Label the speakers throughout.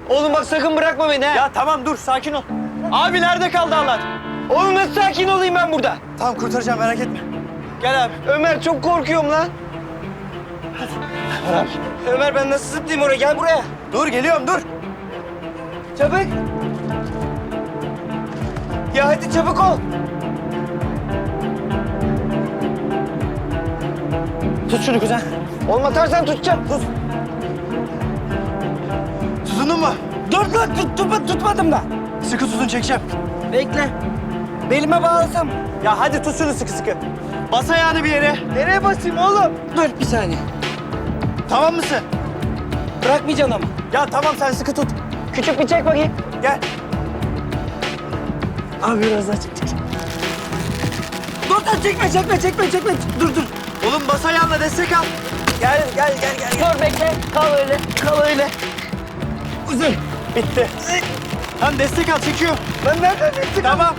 Speaker 1: Oğlum bak sakın bırakma beni ha.
Speaker 2: Ya tamam dur sakin ol. Abi nerede kaldı Anlat?
Speaker 1: Oğlum nasıl sakin olayım ben burada?
Speaker 2: Tamam kurtaracağım merak etme. Gel abi.
Speaker 1: Ömer çok korkuyorum lan. Ömer ben nasıl zıplayayım oraya? Gel buraya.
Speaker 2: Dur geliyorum dur.
Speaker 1: Çabuk. Ya hadi çabuk ol.
Speaker 2: Tut şunu kuzen.
Speaker 1: Oğlum atarsan tutacağım. Tut.
Speaker 2: Tutundun mu?
Speaker 1: Dur lan tutmadım da.
Speaker 2: Sıkı tutun çekeceğim.
Speaker 1: Bekle. Belime bağlasam.
Speaker 2: Ya hadi tut şunu sıkı sıkı. Bas ayağını bir yere.
Speaker 1: Nereye basayım oğlum? Dur bir saniye.
Speaker 2: Tamam mısın?
Speaker 1: Bırakmayacaksın ama.
Speaker 2: Ya tamam sen sıkı tut.
Speaker 1: Küçük bir çek bakayım.
Speaker 2: Gel.
Speaker 1: Abi biraz daha çek. Dur çekme. Dur.
Speaker 2: Oğlum bas ayağınla destek al.
Speaker 1: Gel. Dur bekle. Kal öyle. Uzun.
Speaker 2: Bitti. Tamam destek al çekiyor.
Speaker 1: Ben nereden çektim?
Speaker 2: Tamam.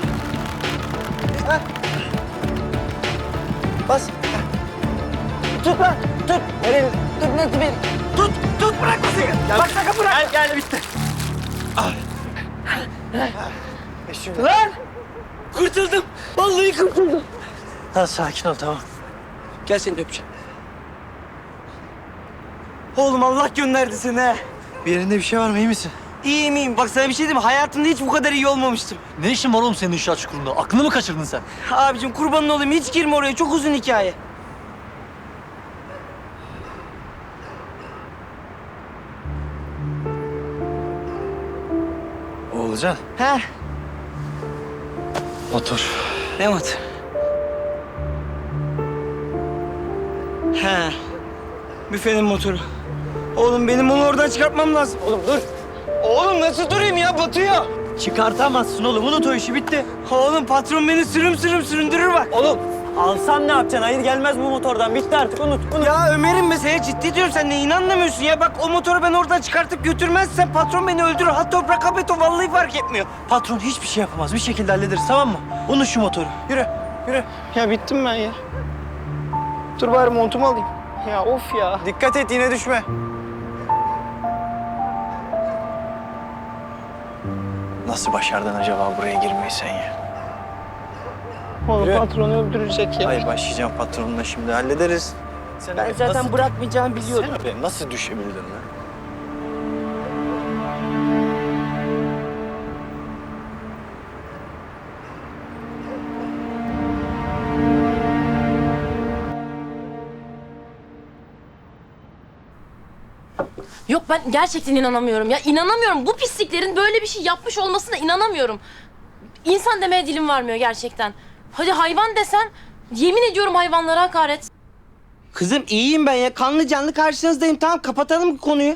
Speaker 1: Bas. Tut lan. Tut. Nereye? Tut nasıl beni? Tut bırakmasın. Bak sakın bırak.
Speaker 2: Gel bitti.
Speaker 1: Lan. Kurtuldum. Vallahi kurtuldum.
Speaker 2: Tamam sakin ol tamam.
Speaker 1: Gel seni de öpeceğim. Oğlum Allah gönderdi seni ha.
Speaker 2: Bir yerinde bir şey var mı iyi misin?
Speaker 1: İyiyim. Bak sana bir şey diyeyim mi? Hayatımda hiç bu kadar iyi olmamıştım.
Speaker 3: Ne işin var oğlum senin inşaat çukurunda? Aklını mı kaçırdın sen?
Speaker 1: Abicim kurbanın olayım. Hiç girme oraya. Çok uzun hikaye.
Speaker 2: Oğulcan.
Speaker 1: He.
Speaker 2: Motor.
Speaker 1: Ne motor? He. Büfenin motoru. Oğlum benim onu oradan çıkartmam lazım. Oğlum dur. Oğlum nasıl durayım ya? Batıyor.
Speaker 2: Çıkartamazsın oğlum. Unut o işi bitti.
Speaker 1: Oğlum patron beni sürüm süründürür bak.
Speaker 2: Oğlum alsan ne yapacaksın? Hayır gelmez bu motordan. Bitti artık unut.
Speaker 1: Ya Ömer'im mesela ciddi diyorum sen ne inanmıyorsun ya. Bak o motoru ben oradan çıkartıp götürmezsem patron beni öldürür. Ha toprak ha beton vallahi fark etmiyor.
Speaker 2: Patron hiçbir şey yapamaz. Bir şekilde hallederiz tamam mı? Unut şu motoru. Yürü.
Speaker 1: Ya bittim ben ya. Dur bari montumu alayım. Ya of ya.
Speaker 2: Dikkat et yine düşme. Nasıl başardın acaba buraya girmeyi sen ya?
Speaker 1: Oğlum
Speaker 2: Yürü.
Speaker 1: patronu öldürecek ya.
Speaker 2: Ay başlayacağım patronla şimdi hallederiz. Sen
Speaker 1: Ben zaten bırakmayacağımı biliyordum.
Speaker 2: Sen oraya nasıl düşebildin lan?
Speaker 4: Yok ben gerçekten inanamıyorum ya. İnanamıyorum. Bu pisliklerin böyle bir şey yapmış olmasına inanamıyorum. İnsan demeye dilim varmıyor gerçekten. Hadi hayvan desen yemin ediyorum hayvanlara hakaret.
Speaker 1: Kızım iyiyim ben ya. Kanlı canlı karşınızdayım. Tamam kapatalım konuyu.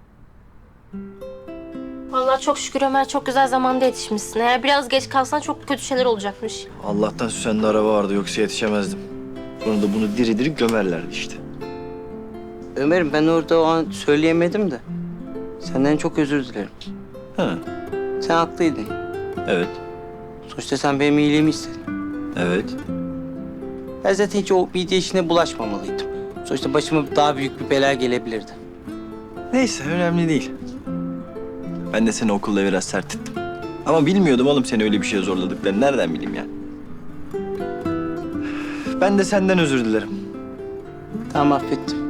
Speaker 4: Vallahi çok şükür Ömer çok güzel zamanda yetişmişsin. Eğer biraz geç kalsan çok kötü şeyler olacakmış.
Speaker 2: Allah'tan Süsen'de araba vardı yoksa yetişemezdim. Sonra da bunu diri diri gömerlerdi işte.
Speaker 1: Ömer'im ben orada o an söyleyemedim de. Senden çok özür dilerim.
Speaker 2: Ha,
Speaker 1: Sen haklıydın.
Speaker 2: evet,
Speaker 1: Sonuçta sen benim iyiliğimi istedin.
Speaker 2: evet.
Speaker 1: Ben zaten hiç o midye işine bulaşmamalıydım. Sonuçta başıma daha büyük bir bela gelebilirdi.
Speaker 2: Neyse önemli değil. Ben de seni okulda biraz sert ettim. Ama bilmiyordum oğlum seni öyle bir şeye zorladıklarını. Nereden bileyim ya? Ben de senden özür dilerim.
Speaker 1: Tamam affettim.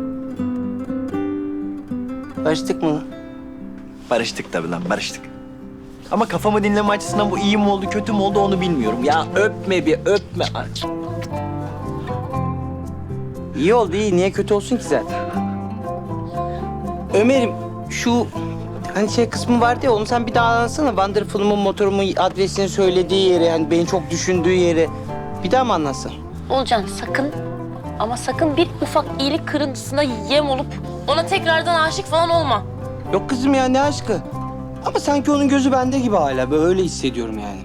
Speaker 1: Barıştık mı lan?
Speaker 2: Barıştık tabii lan, barıştık. Ama kafamı dinleme açısından bu iyi mi oldu, kötü mü oldu onu bilmiyorum. Ya öpme bir, öpme.
Speaker 1: İyi oldu iyi. Niye kötü olsun ki zaten? Ömer'im şu hani şey kısmı vardı ya onu sen bir daha anlatsana. Wonderful'umun motorumun adresini söylediği yeri, hani beni çok düşündüğü yeri. Bir daha mı anlatsın?
Speaker 4: Olcan sakın ama sakın bir ufak iyilik kırıntısına yem olup ona tekrardan aşık falan olma.
Speaker 1: Yok kızım ya ne aşkı. Ama sanki onun gözü bende gibi hala. Böyle öyle hissediyorum yani.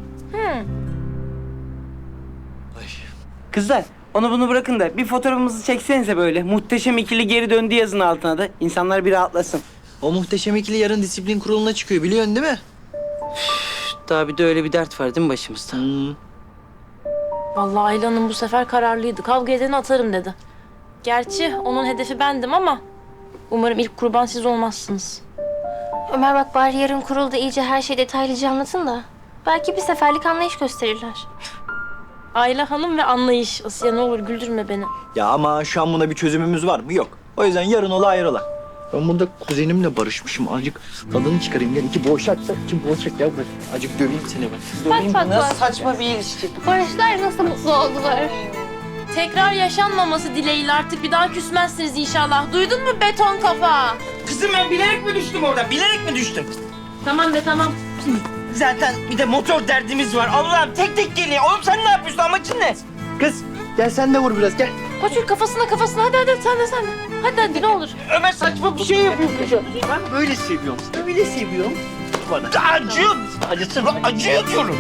Speaker 1: Kızlar onu bunu bırakın da bir fotoğrafımızı çeksenize böyle. Muhteşem ikili geri döndü yazın altına da. İnsanlar bir rahatlasın.
Speaker 2: O muhteşem ikili yarın disiplin kuruluna çıkıyor biliyorsun değil mi?
Speaker 1: Daha bir de öyle bir dert var değil mi başımızda?
Speaker 4: Vallahi Ayla Hanım bu sefer kararlıydı. Kavga edeni atarım dedi. Gerçi onun hedefi bendim ama umarım ilk kurban siz olmazsınız.
Speaker 5: Ömer bak bari yarın kurulda iyice her şeyi detaylıca anlatın da. Belki bir seferlik anlayış gösterirler.
Speaker 4: Ayla Hanım ve anlayış. Asiye ne olur güldürme beni.
Speaker 2: Ya ama şu an buna bir çözümümüz var mı? Yok. O yüzden yarın ola ayrıla. Ben burada kuzenimle barışmışım. Azıcık tadını çıkarayım. Gel iki boğuşak da iki boğuşak ya. Azıcık döveyim seni ben.
Speaker 5: Bak bak
Speaker 1: Nasıl
Speaker 5: bak.
Speaker 1: saçma bir ilişki.
Speaker 5: Barışlar nasıl mutlu oldular.
Speaker 4: Tekrar yaşanmaması dileğiyle artık bir daha küsmezsiniz inşallah. Duydun mu beton kafa?
Speaker 1: Kızım ben bilerek mi düştüm orada? Bilerek mi düştüm?
Speaker 4: Tamam be tamam.
Speaker 1: Zaten bir de motor derdimiz var. Allah'ım tek tek geliyor. Oğlum sen ne yapıyorsun? Amacın ne?
Speaker 2: Kız gel sen de vur biraz gel.
Speaker 4: Koçur kafasına. Hadi sen de. Hadi ne olur.
Speaker 1: Ömer saçma bir şey yapıyorsun.
Speaker 2: Ben böyle seviyorum. Böyle seviyorum. Bana.
Speaker 1: Acıyor. Acısın. Acıyor diyorum.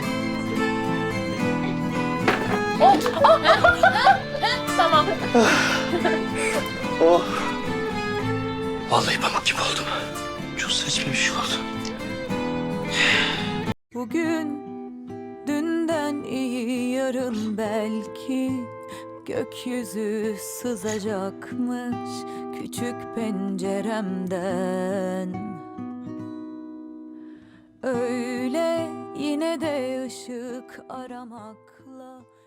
Speaker 4: Tamam.
Speaker 2: Oh. Vallahi pamuk gibi oldum. Çok saçma bir şey oldu.
Speaker 6: Bugün dünden iyi yarın belki gökyüzü sızacakmış küçük penceremden. Öyle yine de ışık aramakla